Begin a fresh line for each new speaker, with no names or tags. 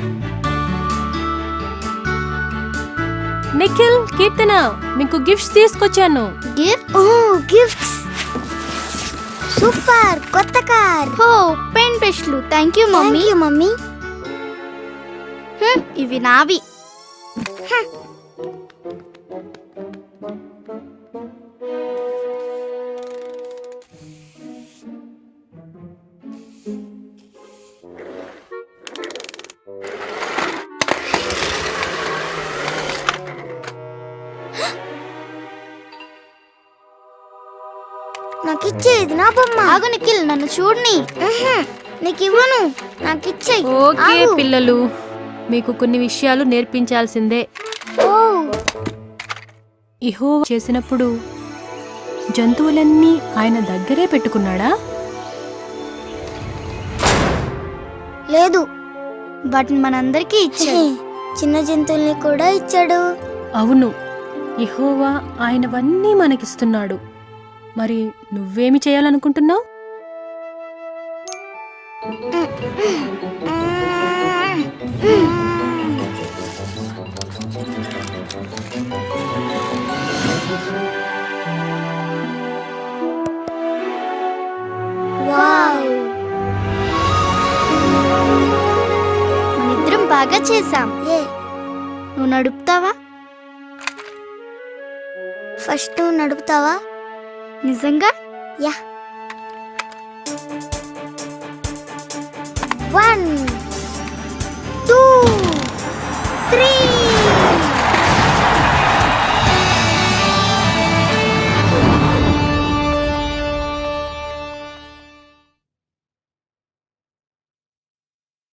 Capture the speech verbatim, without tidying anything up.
నిఖిల్, కీర్తన, మీకు గిఫ్ట్స్ తీసుకొచ్చాను.
గిఫ్ట్? ఓ గిఫ్ట్స్, సూపర్. కొత్త కార్.
హో, పెన్ బ్రష్లు. Thank you mummy.
Thank you mummy.
హ్మ్, ఇవి నావి.
నాకు ఇచ్చేది నా బొమ్మ.
ఆగు నిఖిల్, నన్ను చూడని.
నీకు ఇవ్వను, నాకు ఇచ్చే.
ఓకే పిల్లలు, మీకు కొన్ని విషయాలు నేర్పించాల్సిందే.
ఓ,
యెహోవా చేసినప్పుడు జంతువులన్నీ ఆయన దగ్గరే పెట్టుకున్నాడా?
లేదు,
వాటిని మనందరికీ ఇచ్చాడు.
చిన్న జంతువుల్ని కూడా ఇచ్చాడు.
అవును, యెహోవా ఆయనవన్నీ మనకిస్తున్నాడు. మరి నువ్వేమి చేయాలనుకుంటున్నావు?
వావ్,
మనిద్దరం బాగా చేసాం.
ఏ
నువ్వు నడుపుతావా?
ఫస్ట్ నువ్వు నడుపుతావా?
నిజంగా?
యా. One, two, three.